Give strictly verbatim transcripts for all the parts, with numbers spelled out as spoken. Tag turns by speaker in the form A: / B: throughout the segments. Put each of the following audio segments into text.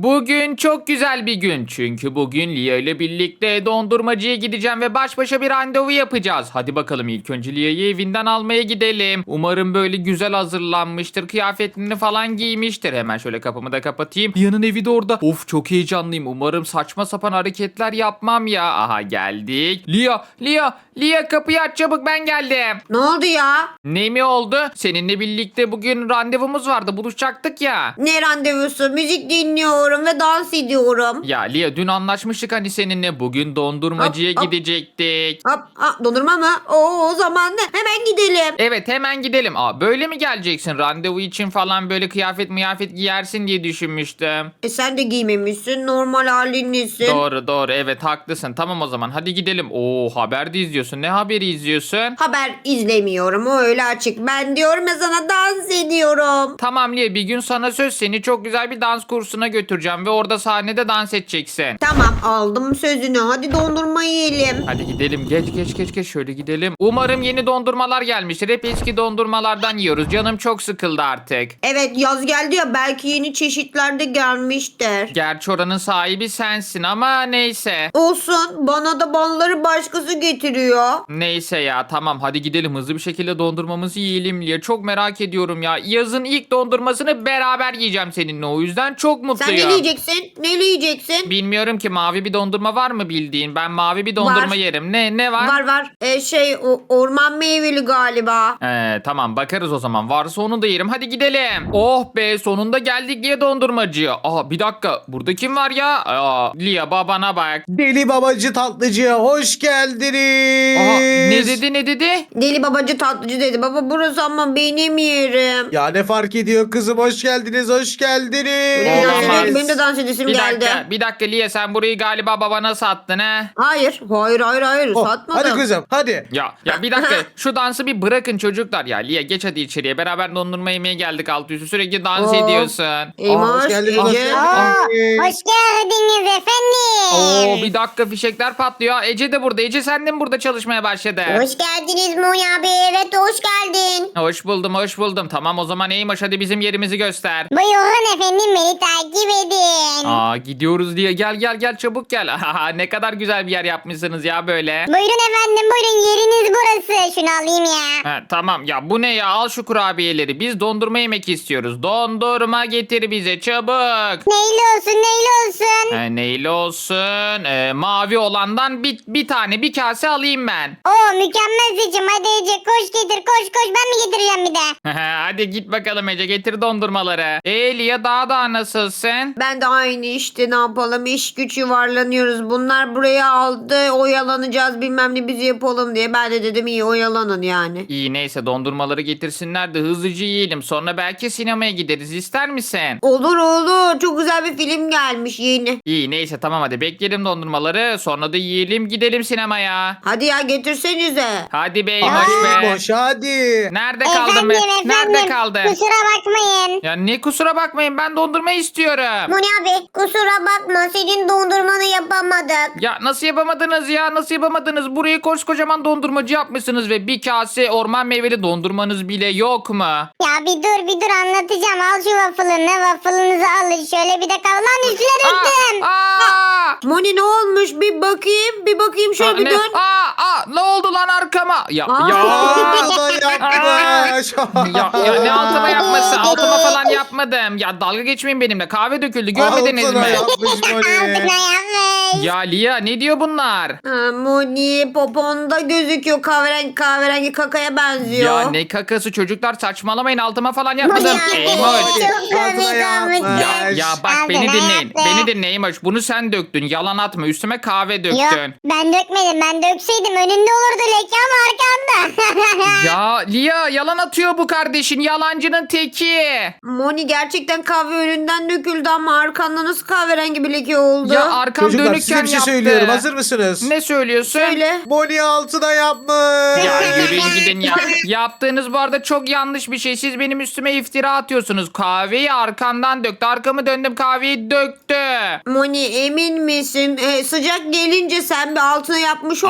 A: Bugün çok güzel bir gün. Çünkü bugün Lia ile birlikte dondurmacıya gideceğim ve baş başa bir randevu yapacağız. Hadi bakalım ilk önce Lia'yı evinden almaya gidelim. Umarım böyle güzel hazırlanmıştır. Kıyafetini falan giymiştir. Hemen şöyle kapımı da kapatayım. Lia'nın evi de orada. Of çok heyecanlıyım. Umarım saçma sapan hareketler yapmam ya. Aha geldik. Lia, Lia, Lia kapıyı aç çabuk ben geldim.
B: Ne oldu ya?
A: Ne mi oldu? Seninle birlikte bugün randevumuz vardı. Buluşacaktık ya.
B: Ne randevusu? Müzik dinliyorum ve dans ediyorum.
A: Ya Lia dün anlaşmıştık hani seninle bugün dondurmacıya
B: Hop, hop.
A: gidecektik.
B: Hop, ha, dondurma mı? Oo, o zaman ne? Hemen gidelim.
A: Evet hemen gidelim. Aa böyle mi geleceksin? Randevu için falan böyle kıyafet miyafet giyersin diye düşünmüştüm.
B: E sen de giymemişsin. Normal halinlesin.
A: Doğru doğru evet haklısın. Tamam o zaman hadi gidelim. Oo haber de izliyorsun. Ne haberi izliyorsun?
B: Haber izlemiyorum. O öyle açık. Ben diyorum ya sana dans ediyorum.
A: Tamam Lia bir gün sana söz seni çok güzel bir dans kursuna götüreceğim ve orada sahnede dans edeceksin.
B: Tamam aldım sözünü. Hadi dondurma yiyelim.
A: Hadi gidelim geç geç geç geç şöyle gidelim. Umarım yeni dondurmalar gelmiştir. Hep eski dondurmalardan yiyoruz. Canım çok sıkıldı artık.
B: Evet yaz geldi ya belki yeni çeşitler de gelmiştir.
A: Gerçi oranın sahibi sensin ama neyse.
B: Olsun bana da balları başkası getiriyor.
A: Neyse ya tamam hadi gidelim hızlı bir şekilde dondurmamızı yiyelim Lia. Çok merak ediyorum ya. Yazın ilk dondurmasını beraber yiyeceğim seninle o yüzden çok mutluyum.
B: Sen ne yiyeceksin? Ne yiyeceksin?
A: Bilmiyorum ki mavi bir dondurma var mı bildiğin? Ben mavi bir dondurma
B: Var.
A: yerim. Ne ne var?
B: Var var. Ee, şey o, orman meyveli galiba.
A: Ee, tamam bakarız o zaman. Varsa onu da yerim. Hadi gidelim. Oh be sonunda geldik Lia dondurmacıya. Aa bir dakika. Burada kim var ya? Aa, Lia babana bak.
C: Deli babacı tatlıcıya hoş geldiniz.
A: Aha, ne dedi ne dedi?
B: Deli babacı tatlıcı dedi. Baba burası ama benim yerim.
C: Ya ne fark ediyor kızım, hoş geldiniz, hoş geldiniz.
B: Benim, dans
A: Olamaz.
B: ediyorum, benim de dans edesim
A: Bir
B: geldi.
A: dakika, bir dakika Lia sen burayı galiba babana sattın ha?
B: Hayır. Hayır hayır hayır.
C: Oh,
B: Satmadım.
C: hadi kızım hadi.
A: Ya ya bir dakika şu dansı bir bırakın çocuklar ya. Lia geç hadi içeriye. Beraber dondurma yemeye geldik altı üstü. Sürekli dans
B: Oh.
A: ediyorsun.
B: Eymoş,
C: Aa, hoş geldiniz, hoş
B: Ece.
C: geldiniz.
B: Aa,
D: Hoş geldiniz efendim.
A: Oo bir dakika fişekler patlıyor. Ece de burada. Ece sen de mi burada çalışmaya başladı?
D: Hoş geldiniz Moni abi. Evet hoş geldin.
A: Hoş buldum, hoş buldum. Tamam o zaman Eymoş hadi bizim yerimizi göster.
D: Buyurun efendim beni takip edin.
A: Aa gidiyoruz diye. Gel gel gel çabuk gel. Ne kadar güzel bir yer yapmışsınız ya böyle.
D: Buyurun efendim buyurun yeriniz burası. Şunu alayım ya.
A: Ha, tamam ya bu ne ya al şu kurabiyeleri. Biz dondurma yemek istiyoruz. Dondurma getir bize çabuk.
D: Neyli olsun neyli olsun.
A: Ha, neyli olsun? Ee, mavi olandan bir, bir tane bir kase alayım ben.
D: Oo mükemmel seçim. Hadi Ece koş getir koş koş ben mi getireceğim bir de.
A: Hadi git bakalım Ece getir dondurmaları. Ee Lia daha da nasılsın?
B: Ben de aynı işte ne yapalım iş güç yuvarlanıyoruz. Bunlar buraya aldı oyalanacağız bilmem ne bizi yapalım diye. Ben de dedim iyi oyalanın yani.
A: İyi neyse dondurmaları getirsinler de hızlıca yiyelim. Sonra belki sinemaya gideriz ister misin?
B: Olur olur çok güzel bir film gelmiş yeni.
A: İyi neyse tamam hadi bekleyelim dondurmaları. Sonra da yiyelim gidelim sinemaya.
B: Hadi ya getirsenize.
A: Hadi bey
C: Hadi
A: hoş be.
C: boş hadi.
A: Nerede kaldın be?
D: Efendim efendim.
A: Nerede kaldın?
D: Kusura bakmayın.
A: Ya ne kusura bakmayın ben dondurma istiyorum.
D: Moni abi kusura bakma senin dondurmanı yapamadık.
A: Ya nasıl yapamadınız ya nasıl yapamadınız? Burayı koskocaman dondurmacı yapmışsınız ve bir kase orman meyveli dondurmanız bile yok mu?
D: Ya bir dur bir dur anlatacağım. Al şu waffle'ını. Waffle'ınızı alın. Şöyle bir de kal. Lan üstüne döktüm.
A: Aa, aa,
B: Moni ne olmuş bir bakayım bir bakayım şöyle
A: aa,
B: bir
A: ne,
B: dön.
A: aa, aa, ne oldu lan arkama? Ya
B: Aa.
A: ya.
C: Aa, da yapmış.
A: Ya, ya ne altıma yapması? Altıma falan yapmadım. Ya dalga geçmeyin benimle. Kahve döküldü. Görmediniz
C: Altına
A: mi?
C: yapmış
D: Altına
C: Moni.
D: yapmış.
A: Ya Lia ne diyor bunlar?
B: Ha, Moni poponda gözüküyor kahverengi kahverengi kakaya benziyor.
A: Ya ne kakası çocuklar saçmalamayın altıma falan yapmadım.
D: Ya,
A: Eymoş.
D: çok
C: Altına
D: komik
C: yapmış.
D: olmuş.
A: Ya, ya bak
D: Altına
A: beni dinleyin.
D: yaptı.
A: Beni dinleyin Eymoş. Bunu sen döktün. Yalan atma. Üstüme kahve döktün.
D: Yok ben dökmedim. Ben dökseydim önünde olurdu leke ama arkanda.
A: Ya Lia yalan atıyor bu kardeşin. Yalancının teki.
B: Moni gerçekten kahve önünden döküldü ama arkanda nasıl kahverengi bir leke oldu?
A: Ya arkam
C: Çocuklar
A: dönükken
C: size bir şey
A: yaptı.
C: söylüyorum, hazır mısınız?
A: Ne söylüyorsun?
B: Söyle.
C: Moni altına yapmış.
A: Ya yürüyün gidin ya. Yaptığınız bu arada çok yanlış bir şey. Siz benim üstüme iftira atıyorsunuz. Kahveyi arkamdan döktü. Arkamı döndüm kahveyi döktü.
B: Moni emin misin? Ee, sıcak gelince sen bir altına yapmış olma.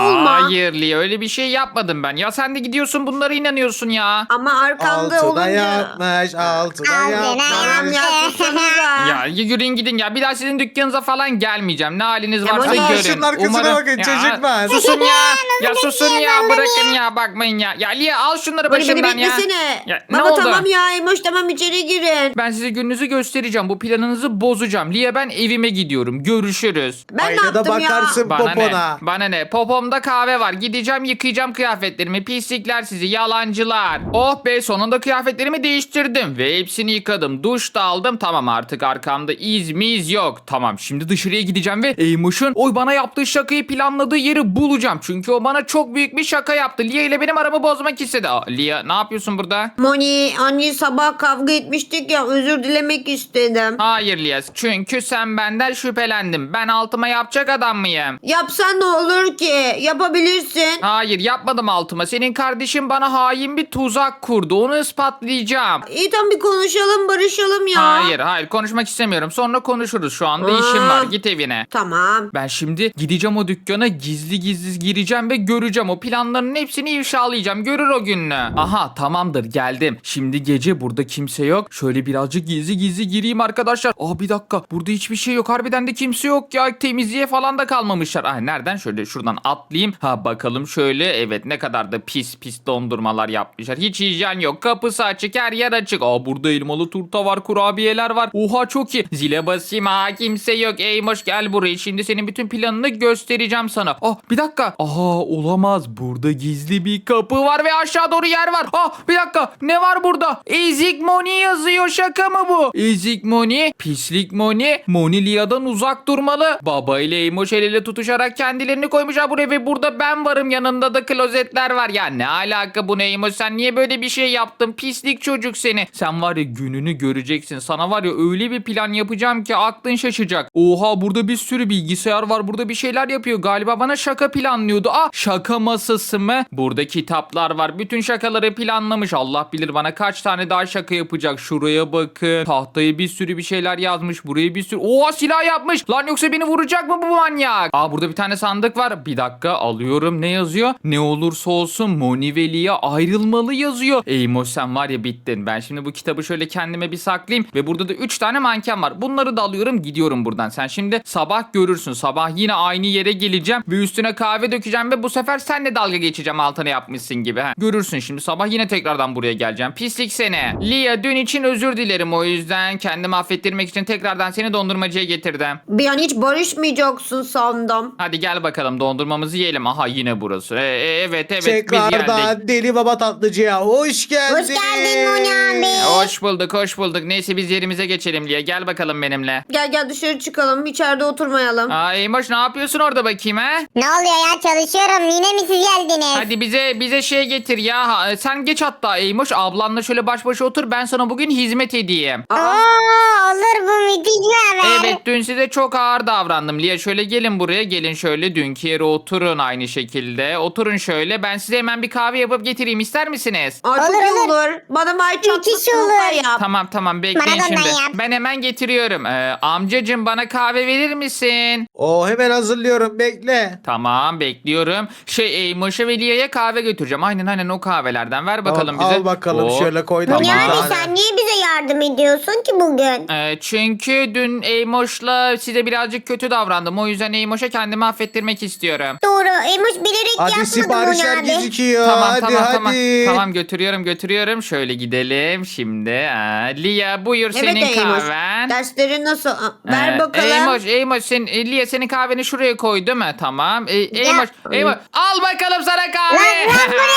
A: Hayır Lia, öyle bir şey yapmadım ben. Ya sen de gidiyorsun bunlara inanıyorsun ya.
B: Ama arkamda
C: Altına
B: olunca.
C: yapmış, altına
D: Altına
C: yapmış.
B: Tamam ya sussanıza.
A: Ya yürüyün gidin ya. Bir daha sizin dükkanınıza falan gelmeyeceğim. Ne haliniz
B: Ya
A: varsa
B: bana
A: görün.
C: şunun arkasına bakın, çocuklar.
A: Susun ya. Ya
D: Nasıl
A: susun ya.
D: bekliyorsun
A: Bırakın ya. Bakmayın ya. Ya Lia al şunları
B: Bari beni
A: başımdan ya.
B: beklesene.
A: Ya, ne
B: Baba
A: oldu?
B: tamam ya Emoş tamam içeri girin.
A: Ben size gününüzü göstereceğim. Bu planınızı bozacağım. Lia ben evime gidiyorum. Görüşürüz.
B: Ben ne
C: Aynada
B: yaptım ya?
C: bakarsın
A: Bana ne?
C: popona.
A: Bana ne? Popomda kahve var. Gideceğim yıkayacağım kıyafetlerimi. Pislikler sizi. Yalancılar. Oh be sonunda kıyafetlerimi değiştirdim. Ve hepsini yıkadım. Duş da aldım. Tamam artık arkamda iz miz yok. Tamam şimdi dışarıya gideceğim ve Eymoş'un oy bana yaptığı şakayı planladığı yeri bulacağım. Çünkü o bana çok büyük bir şaka yaptı. Lia ile benim aramı bozmak istedi. Aa, Lia ne yapıyorsun burada?
B: Moni anne sabah kavga etmiştik ya özür dilemek istedim.
A: Hayır Lia. Çünkü sen benden şüphelendin. Ben altıma yapacak adam mıyım?
B: Yapsan ne olur ki? Yapabilirsin.
A: Hayır yapmadım altıma. Senin kardeşin bana hain bir tuzak kurdu. Onu ispatlayacağım.
B: İyi tamam bir konuşalım barışalım ya.
A: Hayır hayır konuşmak istemiyorum. Sonra konuşuruz. Şu anda işim
B: Aa.
A: var. Git evine.
B: Tamam.
A: Ben şimdi gideceğim o dükkana gizli gizli gireceğim ve göreceğim. O planların hepsini ifşalayacağım. Görür o gününü. Aha tamamdır geldim. Şimdi gece burada kimse yok. Şöyle birazcık gizli gizli gireyim arkadaşlar. Aa bir dakika burada hiçbir şey yok. Harbiden de kimse yok ya. Temizliğe falan da kalmamışlar. Ah nereden? Şöyle şuradan atlayayım. Ha bakalım şöyle. Evet ne kadar da pis pis dondurmalar yapmışlar. Hiç hijyen yok. Kapısı açık. Her yer açık. Aa burada elmalı turta var. Kurabiyeler var. Oha çok iyi. Zile basayım. Ha kimse yok. Eymoş gel buraya. Şimdi senin bütün planını göstereceğim sana. Ah bir dakika. Aha olamaz. Burada gizli bir kapı var ve aşağı doğru yer var. Ah bir dakika. Ne var burada? Ezik Moni yazıyor. Şaka mı bu? Ezik Moni. Pislik Moni. Moni Lia'dan uzak durmalı. Baba ile Eymoş el ele tutuşarak kendilerini koymuşlar buraya ve burada ben varım. Yanında da klozetler var. Ya ne alaka bu ne Eymoş? Sen niye böyle bir şey yaptın? Pislik çocuk seni. Sen var ya gününü göreceksin. Sana var ya öyle bir plan yapacağım ki aklın şaşacak. Oha burada bir sürü bilgisayar var. Burada bir şeyler yapıyor. Galiba bana şaka planlıyordu. Ah şaka masası mı? Burada kitaplar var. Bütün şakaları planlamış. Allah bilir bana kaç tane daha şaka yapacak. Şuraya bakın. Tahtaya bir sürü bir şeyler yazmış. Buraya bir sürü. Oha silah yapmış. Lan yoksa beni vuracak mı bu manyak? Aa burada bir tane sandık var. Bir dakika alıyorum. Ne yazıyor? Ne olursa olsun Moni ve Lia ayrılmalı yazıyor. Eymoş sen var ya bittin. Ben şimdi bu kitabı şöyle kendime bir saklayayım. Ve burada da üç tane manken var. Bunları da alıyorum gidiyorum buradan. Sen şimdi sabah görürsün. Sabah yine aynı yere geleceğim. Ve üstüne kahve dökeceğim. Ve bu sefer senle dalga geçeceğim altına yapmışsın gibi. Ha. Görürsün şimdi sabah yine tekrardan buraya geleceğim. Pislik seni. Lia dün için özür dilerim o yüzden. Kendimi affettirmek için tekrardan seni dondurmacıya getirdim.
B: Bir an hiç barışmayacaksın sandım.
A: Hadi gel bakalım dondurmamızı yiyelim. Aha yine burası. E, e, evet evet biz geldik.
C: Tekrardan Deli Baba Tatlıcı'ya hoş geldin.
D: Hoş geldin Moni abi.
A: Hoş bulduk hoş bulduk. Neyse biz yerimize geçelim Lia. Gel bakalım benimle.
B: Gel gel dışarı çıkalım içeride oturmayalım.
A: Aa Eymoş ne yapıyorsun orada bakayım ha?
D: Ne oluyor ya, çalışıyorum, yine mi siz geldiniz?
A: Hadi bize bize şey getir ya. Ha, sen geç hatta Eymoş. Ablanla şöyle baş başa otur. Ben sana bugün hizmet edeyim.
B: Aa,
D: Oo, olur, bu müthiş bir haber.
A: Evet dün size çok ağır davrandım. Lia şöyle gelin buraya. Gelin şöyle dünkü yere oturun aynı şekilde. Oturun şöyle. Ben size hemen bir kahve yapıp getireyim. İster misiniz?
B: aa, çok
D: Olur,
B: iyi
D: olur.
B: olur. Bana may
D: Müthiş
B: çatlasını
D: olur.
B: da yap.
A: Tamam tamam bekleyin
D: Bana da
A: şimdi.
D: ondan yap.
A: Ben hemen getiriyorum. Ee, amcacım bana kahve verir misin?
C: O hemen hazırlıyorum bekle.
A: Tamam bekliyorum. Şey Eymoş'a ve Lia'ya kahve götüreceğim. Aynen aynen o kahvelerden. Ver bakalım
C: Al,
A: bize.
C: al bakalım
A: Oo.
C: şöyle koy da
D: Moni
C: bir
A: Tamam.
D: abi
C: tane.
D: sen niye bize yardım ediyorsun ki bugün?
A: Ee, çünkü dün Eymoş'la size birazcık kötü davrandım. O yüzden Eymoş'a kendimi affettirmek istiyorum.
D: Doğru, Emoş bilerek
C: Hadi
D: yapmadı
C: siparişler
D: Moni abi.
C: gözüküyor.
A: Tamam
C: hadi
A: tamam
C: hadi.
A: tamam. Tamam götürüyorum götürüyorum. Şöyle gidelim şimdi. Aa, Lia buyur
B: Evet
A: senin
B: Eymoş.
A: kahven.
B: Derslerin nasıl? Aa, ver
A: Ee,
B: bakalım.
A: Eymoş, Eymoş sen, e, Lia senin kahveni şuraya koy değil mi? Tamam. E, Eymoş, Eymoş al bakalım sana kahve.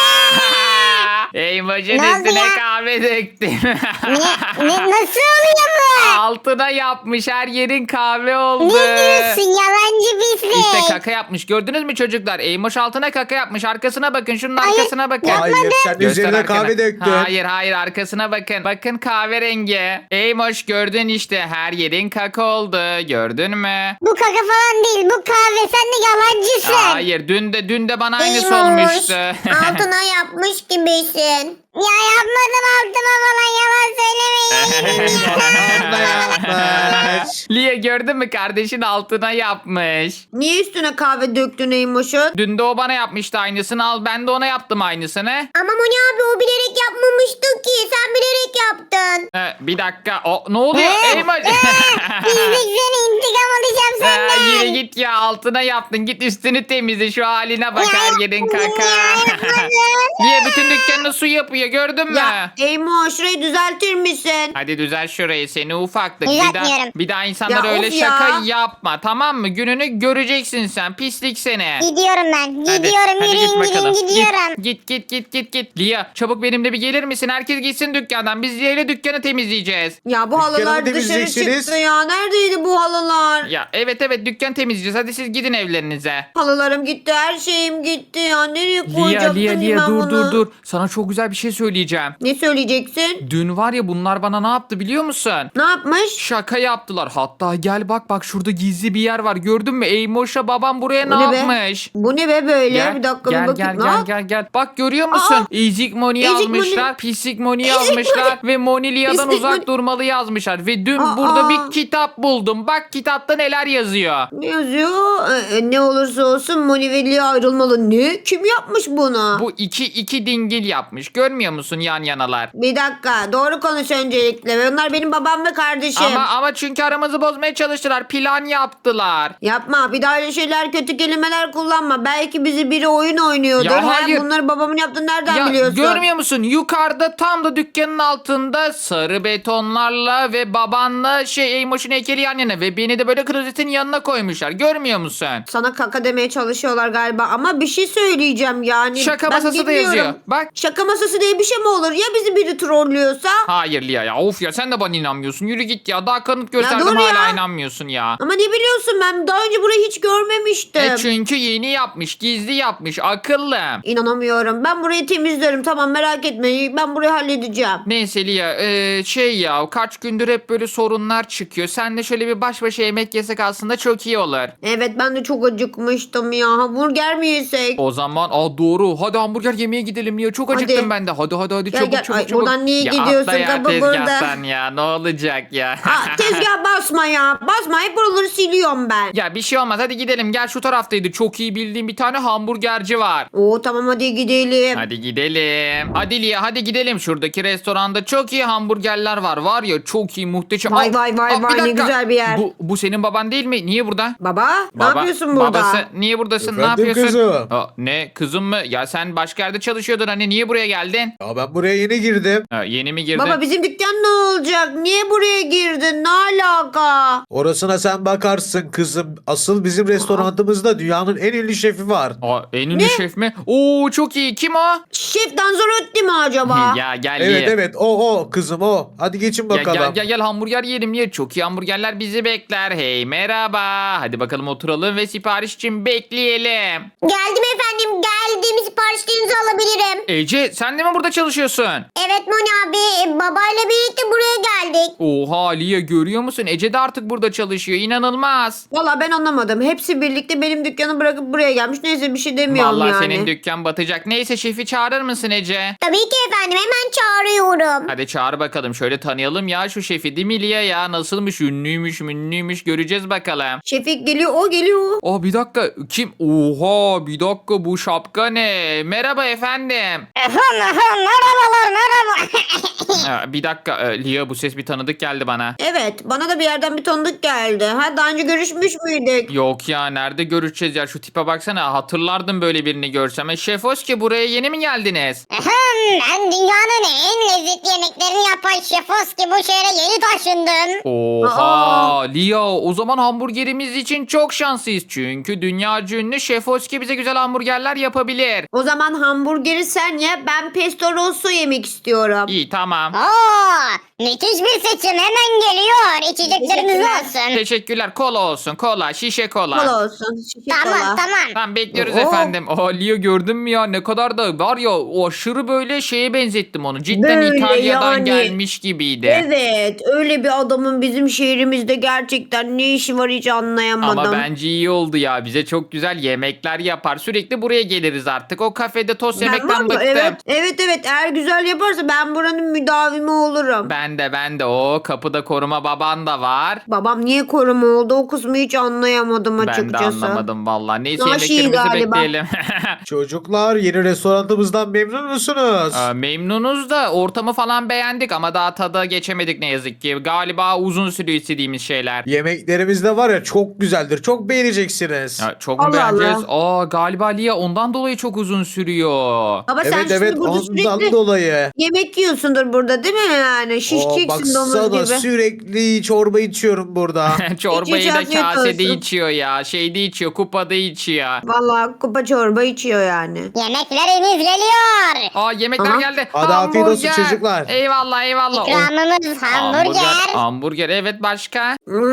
A: Eymoş'un
D: Ne oldu
A: üstüne
D: ya?
A: kahve döktüm.
D: Ne, ne, nasıl oluyor bu?
A: Altına yapmış her yerin kahve oldu.
D: Ne diyorsun yalancı pislik?
A: İşte kaka yapmış. Gördünüz mü çocuklar? Eymoş altına kaka yapmış. Arkasına bakın. Şunun
D: Hayır,
A: arkasına bakın.
C: Hayır sen
A: Göster
C: üzerine
A: arkana.
C: kahve döktün.
A: Hayır hayır arkasına bakın. Bakın kahverengi. Eymoş gördün işte her yerin kaka oldu. Gördün mü?
D: Bu kaka falan değil, bu kahve, sen de yalancısın.
A: Hayır dün de dün de bana aynısı
D: Eymoş,
A: olmuştu.
D: altına yapmış gibisin. Ya yapmadım altıma falan yalan söylemeyin.
C: Abla yapmış.
A: Lia gördün mü, kardeşin altına yapmış.
B: Niye üstüne kahve döktün Eymoş'un?
A: Dün de o bana yapmıştı aynısını, al ben de ona yaptım aynısını.
D: Ama Moni abi o bilerek yapmamıştı ki. Sen bilerek yaptın.
A: Ee, bir dakika, o ne oluyor?
D: Ee,
A: Eymoş.
D: Bizlik seni intikam alacağım
A: Ee,
D: senden.
A: yürü git ya, altına yaptın, git üstünü temizle, şu haline bak,
D: Ya,
A: her yerin kaka.
D: ya, yapmadım.
A: Lia bütün dükkanını su yapıyor, gördün mü?
B: Ya Eymoş şurayı düzeltir misin?
A: Hadi düzel şurayı, seni ufaklık. Bir
D: Düzeltmiyorum.
A: daha, bir daha insanlara
B: Ya
A: öyle
B: of ya.
A: şaka yapma, tamam mı? Gününü göreceksin sen, pislik seni.
D: Gidiyorum ben.
A: Hadi,
D: Gidiyorum.
A: hadi
D: Yürüyün
A: git bakalım.
D: gidin gidiyorum.
A: Git git git git git. Lia çabuk benimle bir gelir misin? Herkes gitsin dükkandan. Biz Lia ile dükkanı temizleyeceğiz.
B: Ya bu
C: Dükkanı
B: halılar
C: mı
B: dışarı
C: temizleyeceksiniz?
B: çıktı ya. Neredeydi bu halılar?
A: Ya evet evet, dükkan temizleyeceğiz. Hadi siz gidin evlerinize.
B: Halılarım gitti, her şeyim gitti ya. Nereye
A: Lia
B: koyacaktım
A: Lia Lia
B: ben
A: dur
B: bunu?
A: dur dur. Sana çok güzel bir şey söyleyeceğim.
B: Ne söyleyeceksin?
A: Dün var ya, bunlar bana ne yaptı biliyor musun?
B: Ne yapmış?
A: Şaka yaptılar. Hatta gel bak bak, şurada gizli bir yer var. Gördün mü? Eymoş'a babam buraya
B: Bu
A: ne
B: ne be?
A: yapmış?
B: Bu ne be böyle?
A: Gel,
B: bir dakika
A: gel,
B: bir bakayım.
A: gel,
B: Ne
A: gel,
B: yap-
A: gel, gel. Bak görüyor musun?
B: Aa!
A: Ezik Moni
B: Ezik
A: yazmışlar. Pislik Moni
B: Ezik
A: yazmışlar. Ve Moni Lia'dan
B: Pislik
A: uzak
B: Moni.
A: durmalı yazmışlar. Ve dün
B: Aa!
A: burada bir kitap buldum. Bak kitapta neler yazıyor.
B: Ne yazıyor? Ee, ne olursa olsun Moni ve Lia ayrılmalı. Ne? Kim yapmış bunu?
A: Bu iki iki dingil yapmış. Görmüyor musun yan yanalar?
B: Bir dakika. Doğru konuş öncelikle. Onlar benim babam ve kardeşim.
A: Ama ama çünkü aramızı bozmaya çalıştılar. Plan yaptılar.
B: Yapma. Bir daha öyle şeyler, kötü kelimeler kullanma. Belki bizi biri oyun oynuyordur.
A: Ya
B: Ha,
A: hayır.
B: bunları babamın yaptığını nereden
A: Ya
B: biliyorsun?
A: görmüyor musun? Yukarıda tam da dükkanın altında sarı betonlarla ve babanla şey Eymoş'un heykeli yan yana ve beni de böyle klozetin yanına koymuşlar. Görmüyor musun?
B: Sana kaka demeye çalışıyorlar galiba. Ama bir şey söyleyeceğim yani.
A: Şaka
B: Ben
A: masası da
B: bilmiyorum.
A: yazıyor. Bak.
B: Şaka masası diye bir şey mi olur? Ya bizi biri trollüyorsa?
A: Hayır Lia ya, of ya, sen de bana inanmıyorsun. Yürü git ya, daha kanıt gösterdim
B: dur
A: hala
B: ya.
A: inanmıyorsun ya.
B: Ama ne biliyorsun, ben daha önce burayı hiç görmemiştim.
A: E çünkü yeni yapmış, gizli yapmış, akıllı.
B: İnanamıyorum. Ben burayı temizlerim, tamam, merak etme. Ben burayı halledeceğim.
A: Neyse Lia, e, şey ya, kaç gündür hep böyle sorunlar çıkıyor. Sen de şöyle bir baş başa yemek yesek aslında çok iyi olur.
B: Evet, ben de çok acıkmıştım ya. Hamburger mi yesek?
A: O zaman aa doğru, hadi hamburger yemeye gidelim Lia, çok
B: Hadi.
A: acıktım ben de. Hadi hadi hadi,
B: Gel,
A: çabuk
B: gel.
A: çabuk
B: Ay,
A: çabuk.
B: buradan niye
A: Ya
B: gidiyorsun?
A: atla ya
B: Kapı burada.
A: tezgahtan ya, ne olacak ya.
B: Aa, tezgah basma ya. Basma, hep buraları siliyorum ben.
A: Ya bir şey olmaz, hadi gidelim, gel şu taraftaydı. Çok iyi bildiğim bir tane hamburgerci var.
B: Oo tamam, hadi gidelim.
A: Hadi gidelim. Hadi Lia, hadi gidelim. Şuradaki restoranda çok iyi hamburgerler var. Var ya, çok iyi, muhteşem.
B: Vay
A: Aa,
B: vay vay
A: aa, bir
B: vay, ne
A: dakika.
B: güzel bir yer.
A: Bu, bu senin baban değil mi? Niye burada?
B: Baba, ne
A: Baba-
B: yapıyorsun burada?
A: Babası niye buradasın?
C: Efendim
A: ne yapıyorsun?
C: kızım?
A: Aa, ne kızım mı? Ya sen başka yerde çalışıyordun, hani niye buraya geldin?
C: Ya ben buraya yeni girdim.
A: Ha, yeni mi girdin?
B: Baba, bizim dükkan ne olacak? Niye buraya girdin? Ne alaka?
C: Orasına sen bakarsın kızım. Asıl bizim restoranımızda dünyanın en ünlü şefi var.
A: Aa, en ünlü şef mi? Oo çok iyi. Kim o?
B: Şef Danzarotti mi acaba?
A: ya gel
C: Evet
A: ye.
C: evet o o kızım o. Hadi geçin
A: Ya
C: bakalım.
A: gel gel gel hamburger yiyelim ye. Çok iyi hamburgerler bizi bekler. Hey merhaba. Hadi bakalım oturalım ve sipariş için bekleyelim.
D: Geldim efendim geldim. Siparişlerinizi alabilirim.
A: Ece sen de mi burada çalışıyorsun?
D: Evet Moni abi e, babayla birlikte buraya geldik.
A: Oha Lia, görüyor musun? Ece de artık burada çalışıyor. İnanılmaz.
B: Valla ben anlamadım. Hepsi birlikte benim dükkanı bırakıp buraya gelmiş. Neyse, bir şey demiyorum
A: Vallahi
B: yani.
A: senin dükkan batacak. Neyse şefi çağırır mısın Ece?
D: Tabii ki efendim hemen çağırıyorum.
A: Hadi çağır bakalım. Şöyle tanıyalım ya şu şefi, değil mi Lia ya? Nasılmış? Ünlüymüş münlüymüş, göreceğiz bakalım.
B: Şefik geliyor, o geliyor.
A: Aa bir dakika, kim? Oha bir dakika, bu şapka ne? Merhaba efendim.
D: Merhabalar merhaba.
A: Aa, bir dakika e, Lia, bu ses bir tanıdık geldi bana.
B: Evet, bana da bir yerden bir tanıdık geldi. Ha, daha önce görüşmüş müydük?
A: Yok ya, nerede görüşeceğiz ya, şu tipe baksana, hatırlardım böyle birini görsem. E, Şef Oski, buraya yeni mi geldiniz?
D: Ben dünyanın en lezzetli yemeklerini yapan Şef Oski bu şehre yeni taşındım.
A: Oha Lia, o zaman hamburgerimiz için çok şanslıyız. Çünkü dünyaca ünlü Şef Oski bize güzel hamburgerler yapabilir.
B: O zaman hamburgeri sen ye, ben pesto rosso yemek istiyorum.
A: İyi tamam.
D: Oo, müthiş bir seçim hemen geliyor. İçecekleriniz
B: Teşekkürler.
D: olsun.
A: Teşekkürler, kola olsun, kola, şişe kola.
B: Kola olsun. şişe
D: Tamam
B: kola.
D: tamam.
A: Tamam bekliyoruz
B: Oo.
A: efendim. Aa Lia, gördün mü ya, ne kadar da var ya, o aşırı böyle şeye benzettim onu. Cidden
B: Böyle
A: İtalya'dan
B: yani.
A: gelmiş gibiydi.
B: Evet, öyle bir adamın bizim şehrimizde gerçekten ne işi var hiç anlayamadım anlayamadım.
A: Ama bence iyi oldu ya. Bize çok güzel yemekler yapar. Sürekli buraya geliriz artık. O kafede tost
B: Ben
A: yemekten
B: var ya,
A: bıktım.
B: evet, evet evet eğer güzel yaparsa ben buranın müdavimi olurum.
A: Ben de ben de. O kapıda koruma baban da var.
B: Babam niye koruma oldu o kısmı hiç anlayamadım
A: Ben de
B: açıkçası.
A: anlamadım vallahi. Neyse
B: Naşi
A: yemeklerimizi
B: galiba.
A: bekleyelim.
C: Çocuklar yeni restoranımızdan memnun musunuz?
A: Aa, memnunuz da ortamı falan beğendik ama daha tada geçemedik ne yazık ki. Galiba uzun sürüyor istediğimiz şeyler.
C: Yemeklerimiz de var ya çok güzeldir. Çok beğeneceksiniz.
A: Ya, çok mu
B: Allah
A: beğeneceğiz? Aa, galiba Lia ondan dolayı çok uzun sürüyor.
B: Baba sen
C: Evet
B: şimdi
C: evet
B: burada
C: ondan
B: sürekli
C: dolayı.
B: yemek yiyorsundur burada değil mi yani?
C: Oo,
B: Şişeceksin domuz
C: baksana
B: gibi.
C: sürekli çorba içiyorum burada.
A: Çorbayı
B: Hiç
A: da
B: afiyet
A: kasede
B: olsun.
A: içiyor ya. Şeyde içiyor, kupada içiyor.
B: Vallahi kupa çorba içiyor yani.
D: Yemekleriniz geliyor.
A: Aa yemekler
B: Aha.
A: geldi.
C: Hadi afiyet olsun
A: Hamburger.
C: çocuklar.
A: Eyvallah eyvallah. Oh,
D: İkramımız hamburger.
A: Hamburger evet başka.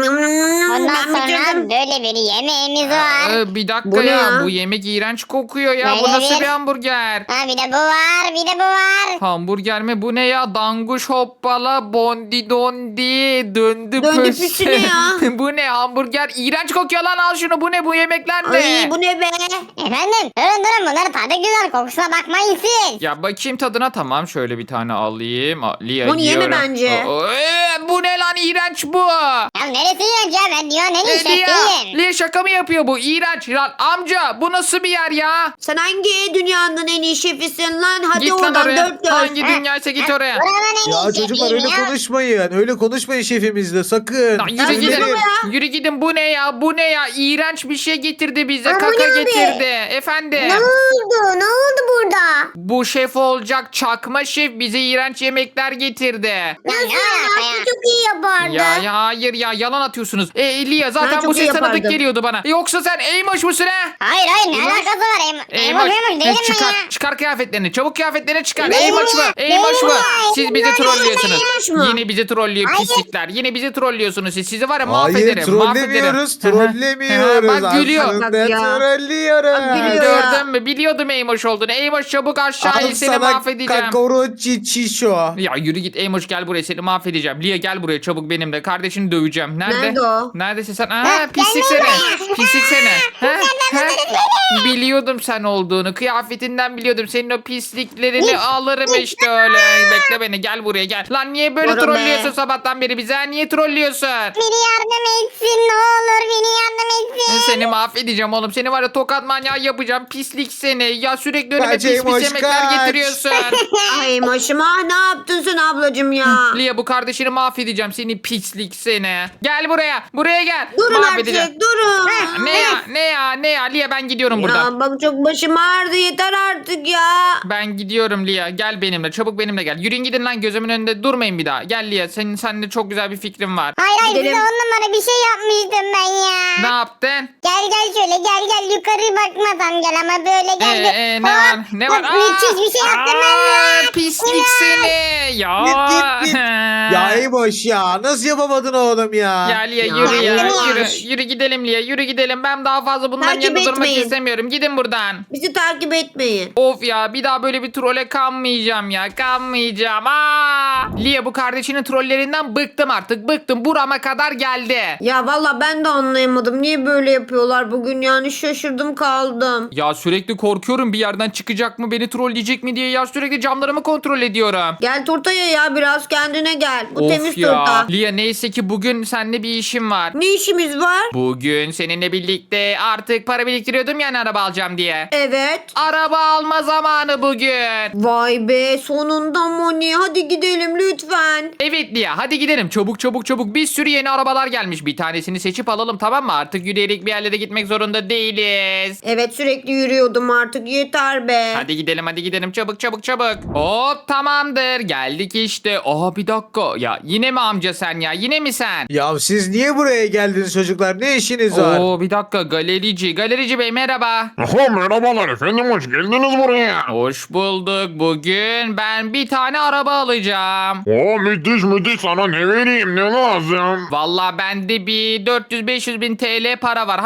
D: Ondan
B: Ben
D: sonra
B: bitirdim.
D: böyle bir yemeğimiz var.
A: Ee, bir dakika
B: Bu ne
A: ya.
B: ya?
A: Bu yemek iğrenç kokuyor ya. Bu
D: Böyle
A: nasıl
D: bir-
A: bir hamburger?
D: Ha bir de bu var, bir de bu var.
A: Hamburger mi? Bu ne ya? Danguş hoppala bondi dondi döndü,
B: Döndü
A: püsü.
B: püsü ne ya?
A: Bu ne hamburger? İğrenç kokuyor lan al şunu. Bu ne bu yemekler ne?
B: Ay bu ne be?
D: Efendim durun durun bunların tadı güzel, kokusuna bakmayın siz.
A: Ya bakayım tadına tamam şöyle bir tane alayım. Aa, Lia
B: Bunu yeme
A: yiyorum.
B: bence.
A: Aa, ee, bu ne lan iğrenç bu.
D: Ya neresi yiyorsun ya, ben dünyanın en iyi
A: Ee, Lia,
D: şefiyim.
A: Lia şaka mı yapıyor bu? İğrenç lan amca bu nasıl bir yer ya?
B: Sen hangi dünyanın en iyi şefisin lan? Hadi
A: Git lan
B: oradan
A: oraya.
B: dört dört.
A: Hangi dünyaysa git oraya.
D: Buranın en
C: Ya
D: iyi
C: çocuklar
D: şefiyim
C: öyle
D: ya.
C: konuşmayın. Öyle konuşmayın şefimizle sakın.
A: Lan yürü
B: Ya
A: gidin.
B: yürü
A: Yürü gidin bu ne ya? Bu ne ya? İğrenç bir şey getirdi bize.
D: Aa, bu
A: Kaka
D: ne abi?
A: getirdi. Efendim.
D: Ne oldu? Ne oldu burada?
A: Bu şef olacak çakma şef bize iğrenç yemekler getirdi.
D: Ya ne alaka ya?
B: Çok iyi yapardı.
A: Ya ya hayır ya yalan atıyorsunuz. E Elia zaten
B: Ben
A: bu
B: çok iyi
A: ses tanıdık
B: yapardım.
A: geliyordu bana. Yoksa sen Eymoş musun he?
D: Hayır hayır, ne alakası var? Em Eymoş Eymoş değilim ben
A: çıkar,
D: ya.
A: çıkar kıyafetlerini. Çabuk kıyafetlerini çıkar.
D: Benim
A: Eymoş mu?
D: ya,
A: Eymoş
D: benim
A: mu?
D: ya,
A: Siz bizi
D: benim ya,
A: trollüyorsunuz.
B: Eymoş mu?
A: Yine bizi trollüyor
D: Hayır.
A: pislikler. Yine bizi trollüyorsunuz siz. Sizi var ya
C: Hayır
A: mahvederim.
C: trollemiyoruz.
A: mahvederim.
C: Trollemiyoruz.
A: Bak gülüyor.
C: Aslında
B: Bak ya.
C: trollüyoruz.
B: Bak gülüyor. ya.
A: Gördün mü? Biliyordum Eymoş olduğunu. Eymoş çabuk aşağı
C: Al
A: in seni
C: sana
A: mahvedeceğim.
C: kakoroçi çişo.
A: Ya yürü git Eymoş gel buraya seni mahvedeceğim. Lia gel buraya çabuk benimle. Kardeşini döveceğim. Nerede?
B: Nerede o?
A: Neredesin sen?
D: Ha,
A: Aa, pislik
D: gelme
A: seni. Pislik seni. Ha? Ha? Biliyordum sen olduğunu. Kıyafetinden biliyordum. Senin o pisliklerini alırım işte öyle. Bekle beni gel buraya gel. Lan niye böyle
B: Bora be.
A: trollüyorsun sabahtan beri bize? Ha? Niye trollüyorsun?
D: Beni yardım etsin ne olur, beni yardım etsin.
A: Seni mahvedeceğim oğlum. Seni var ya tokat manyağı yapacağım. Pislik seni. Ya sürekli önüme
C: Kaç
A: pis pis
C: Eymoş,
A: yemekler
C: kaç.
A: getiriyorsun.
B: Ay maşıma ne yaptın sen ablacım ya?
A: Lia bu kardeşini mahvedeceğim. Seni pislik seni. Gel buraya. Buraya gel.
B: Durun
A: Mahvedeceğim.
B: artık durun.
A: Ne ya ne ya ne ya Lia ben gidiyorum buradan.
B: Ya bak çok başım ağrıdı yeter artık ya.
A: Ben gidiyorum Lia. Gel benimle. Çabuk benimle gel. Yürüyün gidin lan gözümün önünde durmayın bir daha. Gel Lia. Senin sende çok güzel bir fikrim var.
D: Hayır hayır,
B: Gidelim.
D: size on numara bir şey yapmıştım ben ya.
A: Ne yaptın?
D: Gel gel şöyle, gel gel yukarı bakmadan gel ama böyle gel.
A: Ee,
D: bir-
A: ee, ne
D: Hop,
A: var? Ne var?
D: hop, müthiş bir şey yaptım ben
A: Aa,
D: ya.
A: pislik seni. Ya.
C: Git, git, git. Ya Eymoş ya nasıl yapamadın oğlum ya?
A: Ya Lia
B: Ya,
A: yürü ya.
D: yaptım
A: Yürü,
B: ya.
A: yürü gidelim Lia. Yürü gidelim. Ben daha fazla bunların
B: Takip
A: yanında durmak
B: etmeyin.
A: istemiyorum. Gidin buradan.
B: Bizi takip etmeyin.
A: Of ya bir daha böyle bir trole kanmayacağım ya kanmayacağım. Aa! Lia bu kardeşinin trollerinden bıktım artık bıktım burama kadar geldi.
B: Ya valla ben de anlayamadım. Niye böyle yapıyorlar bugün yani şaşırdım kaldım.
A: Ya sürekli korkuyorum bir yerden çıkacak mı beni trolleyecek mi diye ya sürekli camlarımı kontrol ediyorum.
B: Gel turtaya ya biraz kendine gel. Bu
A: Of
B: temiz
A: ya.
B: turta.
A: Lia neyse ki bugün seninle bir işim var.
B: Ne işimiz var?
A: Bugün seninle birlikte artık para biriktiriyordum yani araba alacağım diye.
B: Evet.
A: Araba alma zamanı bugün.
B: Vay be sonunda Moni hadi gidelim lütfen.
A: Evet Lia hadi gidelim çabuk çabuk çabuk bir sürü yeni arabalar gelmiş bir tanesini seçip alalım tamam mı artık yürüyerek bir yerlere gitmek zorunda değiliz.
B: Evet sürekli yürüyordum artık yeter be.
A: Hadi gidelim hadi gidelim çabuk çabuk çabuk. Hop tamamdır geldik işte. Aa bir dakika ya yine mi amca sen ya yine mi sen?
C: Ya siz niye buraya geldiniz çocuklar? Ne işiniz var?
A: Oo bir dakika galerici galerici bey merhaba.
E: Aha, merhabalar efendim, hoş geldiniz buraya.
A: Hoş bulduk bugün ben bir tane araba alacağım.
E: Oo, müthiş müthiş, sana ne vereyim, ne lazım?
A: Valla bende bir dört yüz beş yüz bin T L para var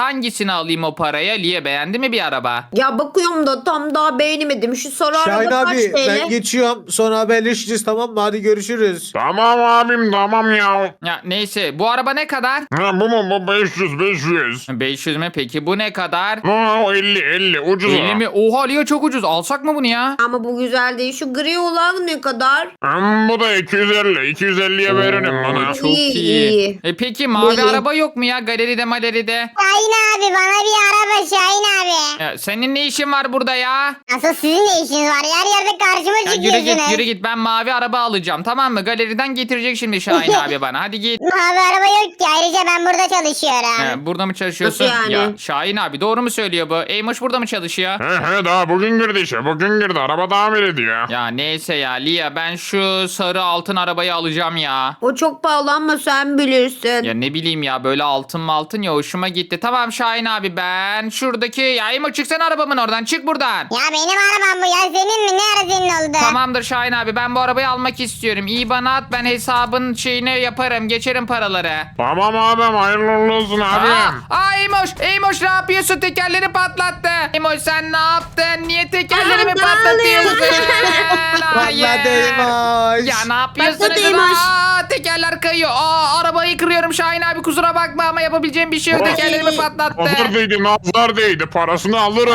A: hangisini alayım o paraya? Lia beğendi mi bir araba?
B: Ya bakıyorum da tam daha beğenemedim. Şu sarı
C: Şahin
B: araba kaç
C: abi
B: T L?
C: ben geçiyorum. Sonra haberleşeceğiz, tamam mı? Hadi görüşürüz.
E: Tamam abim tamam ya.
A: Ya neyse bu araba ne kadar?
E: Ha, bu mu bu beş yüz beş yüz.
A: beş yüz mü peki bu ne kadar?
E: Ha, o elli elli ucuz.
A: elli mi? Oha Lia çok ucuz. Alsak mı bunu ya?
B: Ama bu güzel değil. Şu gri olan ne kadar?
E: Hmm, bu da iki yüz elli. iki yüz elliye veririm bana.
A: Çok
B: İyi,
A: iyi.
B: iyi.
A: E peki mavi
B: İyi.
A: araba yok mu ya galeride maleride?
D: Şahin abi bana bir araba Şahin abi.
A: Ya, senin ne işin var burada ya?
D: Nasıl sizin ne işiniz var? Yer yerde karşıma
A: Ya yürü
D: çıkıyorsunuz.
A: git yürü git ben mavi araba alacağım tamam mı? Galeriden getirecek şimdi Şahin abi bana hadi git.
D: Mavi araba yok ki. Ayrıca ben burada çalışıyorum.
A: He, burada mı çalışıyorsun?
B: Nasıl yani?
A: Ya Şahin abi doğru mu söylüyor bu? Eymoş burada mı çalışıyor?
E: He he daha bugün girdi işe. Bugün girdi. Araba tamir ediyor.
A: Ya neyse ya Lia ben şu sarı altın arabayı alacağım ya.
B: O çok pahalı ama sen bilirsin.
A: Ya ne bileyim ya böyle altın mı altın ya hoşuma gitti. Tamam Şahin abi ben şuradaki ya Eymoş çıksana arabamın oradan çık buradan.
D: Ya benim arabam bu ya. Senin mi? Ne ara senin oldu?
A: Tamamdır Şahin abi ben bu arabayı almak istiyorum. İyi bana at ben hesabın şeyini yaparım geçerim paraları.
E: Tamam abim hayırlı uğurlu olsun abim.
A: Aa, aa Eymoş, Eymoş ne yapıyorsun? Tekerleri patlattı. Eymoş sen ne yaptın? Niye tekerlerimi
B: Aa,
A: patlatıyorsun? Hayır.
C: Patladı Eymoş.
A: Ya ne yapıyorsunuz?
B: Patladı Eymoş.
A: Aa, tekerler kayıyor. Aa, arabayı kırıyorum Şahin abi kusura bakma ama yapabileceğim bir şey yok.
E: Ay.
A: Tekerlerimi patlattı.
E: Nazar değdi nazar değdi. Parasını alırım.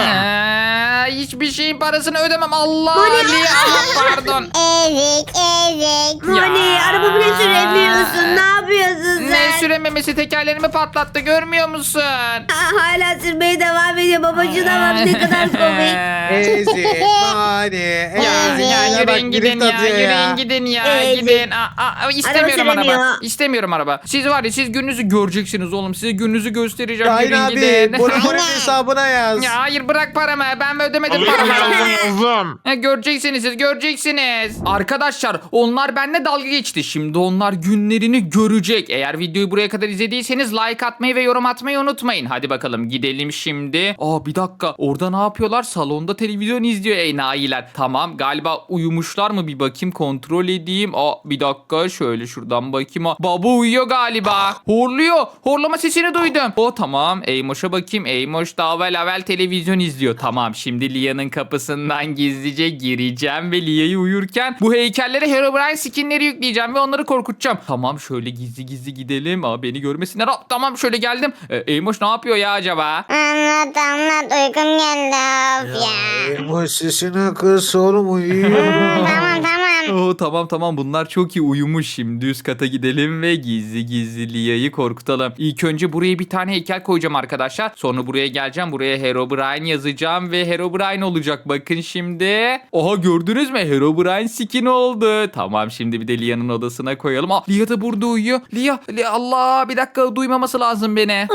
A: Ee, hiçbir şeyin parasını ödemem. Allah
B: Bu ne?
A: Ali. Aa, pardon.
D: Ezik ezik.
B: Hani araba bile süremiyorsun. Ne yapıyorsun sen?
A: Ne sürememesi tekerlerimi patlattı görmüyor musun?
B: Aa, hala sürmeye devam ediyor. Babacığına bak ne kadar komik.
C: Ezik mani.
A: Ya, ya yürüyün gidin ya, yürüyün gidin ya,
B: Ezik.
A: gidin. Aa, aa, istemiyorum araba.
B: süremiyor.
A: İstemiyorum araba. Siz var ya siz gününüzü göreceksiniz oğlum. Size gününüzü göstereceğim.
C: Şahin
A: Yürüyün
C: abi
A: gidin.
C: bunu bunun hesabına yaz.
A: Ya hayır bırak paramı. Ben ödemedim
E: Alıyorum
A: paramı.
E: yazdım yazdım.
A: Ya, göreceksiniz siz göreceksiniz. Arkadaşlar onlar benimle dalga geçti. Şimdi onlar günlerini görecek. Eğer videoyu buraya kadar izlediyseniz like atmayı ve yorum atmayı unutmayın. Hadi bakalım gidelim şimdi. Aa bir dakika orada ne yapıyorlar? Salonda televizyon izliyor enayiler. Tamam galiba uyumuşlar mı bir bakayım kontrol edeyim. Aa bir dakika şöyle şuradan bakayım. Aa, baba uyuyor galiba. Horluyor. Horlama sesini duydum. O tamam. Eymoş'a bakayım. Eymoş da avel avel televizyon izliyor. Tamam şimdi Lia'nın kapısından gizlice gireceğim ve Lia'yı uyurken bu heykellere Herobrine skinleri yükleyeceğim ve onları korkutacağım. Tamam şöyle gizli gizli gidelim. Aa beni görmesinler. Aa, tamam şöyle geldim. Ee, Eymoş ne yapıyor ya acaba?
D: Anlat anlat uykum geldi of ya.
C: Eymoş sesini kız oğlum uyuyor.
D: Tamam tamam.
A: Oo, tamam tamam bunlar çok iyi uyumuş. Şimdi üst kata gidelim ve gizli gizli Lia'yı korkutalım. İlk önce buraya bir tane heykel koyacağım arkadaşlar. Sonra buraya geleceğim. Buraya Herobrine yazacağım ve Herobrine olacak. Bakın şimdi. Oha gördünüz mü? Herobrine skin oldu. Tamam şimdi bir de Lia'nın odasına koyalım. Aa, Lia da burada uyuyor. Lia, Lia Allah bir dakika duymaması lazım beni.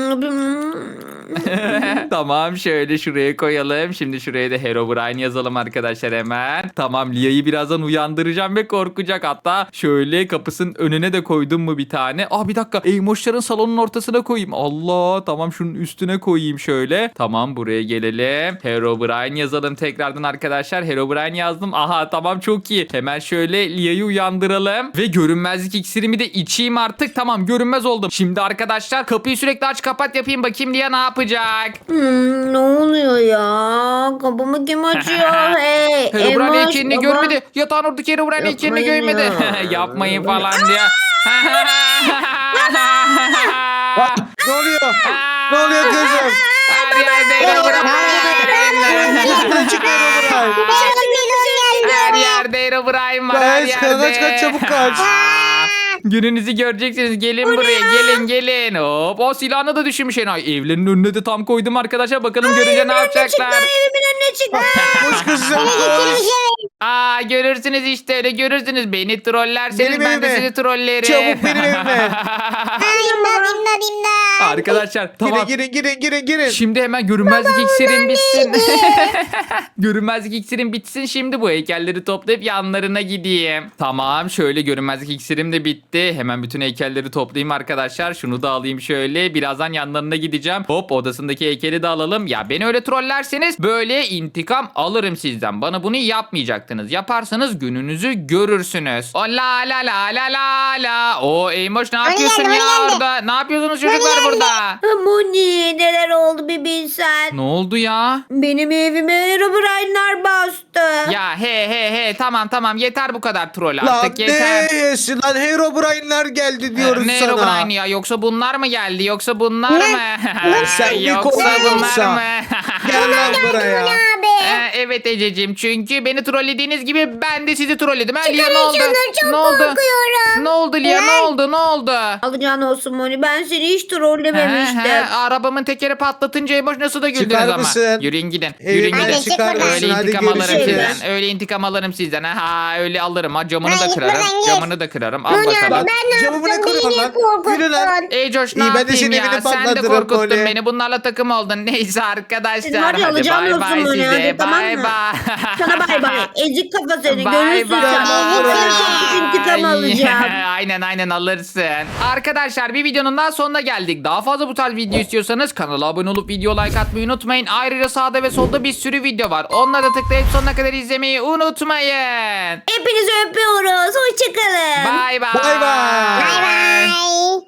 A: Tamam şöyle şuraya koyalım. Şimdi şuraya da Herobrine yazalım arkadaşlar hemen. Tamam Lia'yı birazdan uyandıracağım ve korkacak. Hatta şöyle kapısının önüne de koydum mu bir tane. Aa bir dakika Eymoşların salonun ortasına koyayım. Allah tamam şunun üstüne koyayım şöyle. Tamam buraya gelelim. Herobrine yazalım tekrardan arkadaşlar. Herobrine yazdım. Aha tamam çok iyi. Hemen şöyle Lia'yı uyandıralım. Ve görünmezlik iksirimi de içeyim artık. Tamam görünmez oldum. Şimdi arkadaşlar kapıyı sürekli aç kapat yapayım. Bakayım Lia ne yapacak?
B: Hmm, ne oluyor ya? Kapımı kim açıyor? Hey,
A: Herobrine
B: Emoş,
A: heykelini
B: baba.
A: görmedi. Yatağın oradaki Herobrine heykelini
B: Yapmayın
A: görmedi.
B: ya.
A: Yapmayın falan diye.
C: Ne oluyor? Ne oluyor kızım?
A: Her yerde Herobrine.
C: Nereden çıkıyor Herobrine?
D: Benim videom geldi.
A: Her yerde Herobrine var her
C: Kaç
A: yerde.
C: kaç kaç çabuk kaç.
A: Gününüzü göreceksiniz. Gelin buraya gelin gelin. Hop o silahını da düşürmüş enayi. Evlerinin önüne de tam koydum arkadaşlar. Bakalım görünce ne yapacaklar.
B: Evimin önüne çıktı.
C: Koş kızım koş.
A: Aa görürsünüz işte öyle görürsünüz. Beni trollerseniz
C: Benim
A: ben de
C: evime.
A: sizi trollerim.
C: Çabuk benim evime.
D: Ay, İmdat imdat imdat.
A: Arkadaşlar tamam.
C: Girin girin girin girin girin.
A: Şimdi hemen görünmezlik iksirin bitsin. Görünmezlik iksirin bitsin. Şimdi bu heykelleri toplayıp yanlarına gideyim. Tamam şöyle görünmezlik iksirim de bitti. Hemen bütün heykelleri toplayayım arkadaşlar. Şunu da alayım şöyle. Birazdan yanlarına gideceğim. Hop odasındaki heykeli de alalım. Ya beni öyle trollerseniz böyle intikam alırım sizden. Bana bunu yapmayacaktınız. yapacaktınız. Yaparsanız gününüzü görürsünüz. O la la la la la la. O Eymoş ne yapıyorsun
D: geldi,
A: ya
D: Moni geldi.
A: orada? Ne yapıyorsunuz çocuklar
D: geldi.
A: burada?
B: Moni neler oldu bir bilsen.
A: Ne oldu ya?
B: Benim evime Herobrine'lar bastı.
A: Ya he he he tamam tamam yeter bu kadar troll
C: Lan
A: artık yeter.
C: ne yesin lan Herobrine'ler geldi diyoruz
A: ne
C: sana.
A: Herobrine ya? Yoksa bunlar mı geldi? Yoksa bunlar mı?
C: Sen bir
A: Yoksa
C: korkak
A: bunlar
C: olsa.
A: mı?
C: Gel lan buraya.
D: Abi.
A: Ee, evet Ececiğim çünkü beni trollediğiniz gibi ben de sizi trolledim. Ha, Lia ne
D: Çıkarın
A: oldu?
D: şunu, çok
A: ne oldu?
D: korkuyorum.
A: Ne oldu Lia ne oldu ne oldu?
B: Alacağın olsun Moni, ben seni hiç
A: He,
B: trollememiştim.
A: he, arabamın tekeri patlatınca Emoş nasıl da güldünüz
C: Çıkar
A: ama.
C: mısın?
A: Yürüyün gidin.
C: Evine
A: Yürüyün
D: Hadi
A: gidin.
D: çık
C: çıkar
D: buradan.
A: Öyle
C: mısın? Hadi
A: intikam alırım
C: görüşürüz.
A: sizden. Öyle intikam alırım sizden. Ha öyle alırım. Ha camını
D: Hayır,
A: da kırarım.
D: buradan git.
A: Camını da kırarım. Al
D: Moni abi
A: bakalım.
D: ben ne
C: Camımı ne
D: yaptım?
C: kırma
D: Beni niye
C: lan? Yürü lan.
D: korkuttun?
A: Ey Coş ne
C: İyi, ben de
A: yapayım
C: senin
A: ya?
C: evini
A: Sen de
C: patlatırım
A: korkuttun
C: Moni.
A: beni. Bunlarla takım oldun. Neyse arkadaşlar.
B: Senin var ya,
A: Hadi
B: alacağın
A: bay
B: olsun
A: bay
B: Moni,
A: size.
B: hadi, tamam
A: Bay
B: mı?
A: bay.
B: Sana bay bay. Ezik kafa seni.
A: Bay
B: Görürsün
A: bay.
B: sen.
C: Bay.
B: Çok intikam alacağım.
A: Aynen aynen alırsın. Arkadaşlar bir videonun daha sonuna geldik. Daha fazla bu tarz video istiyorsanız kanala abone olup video like atmayı unutmayın. Ayrıca sağda ve solda bir sürü video var. Onları da tıklayıp sonuna kadar izlemeyi unutmayın.
B: Hepinizi öpüyoruz. Hoşçakalın.
A: Bay bay.
C: Bay bay.
D: Bay bay.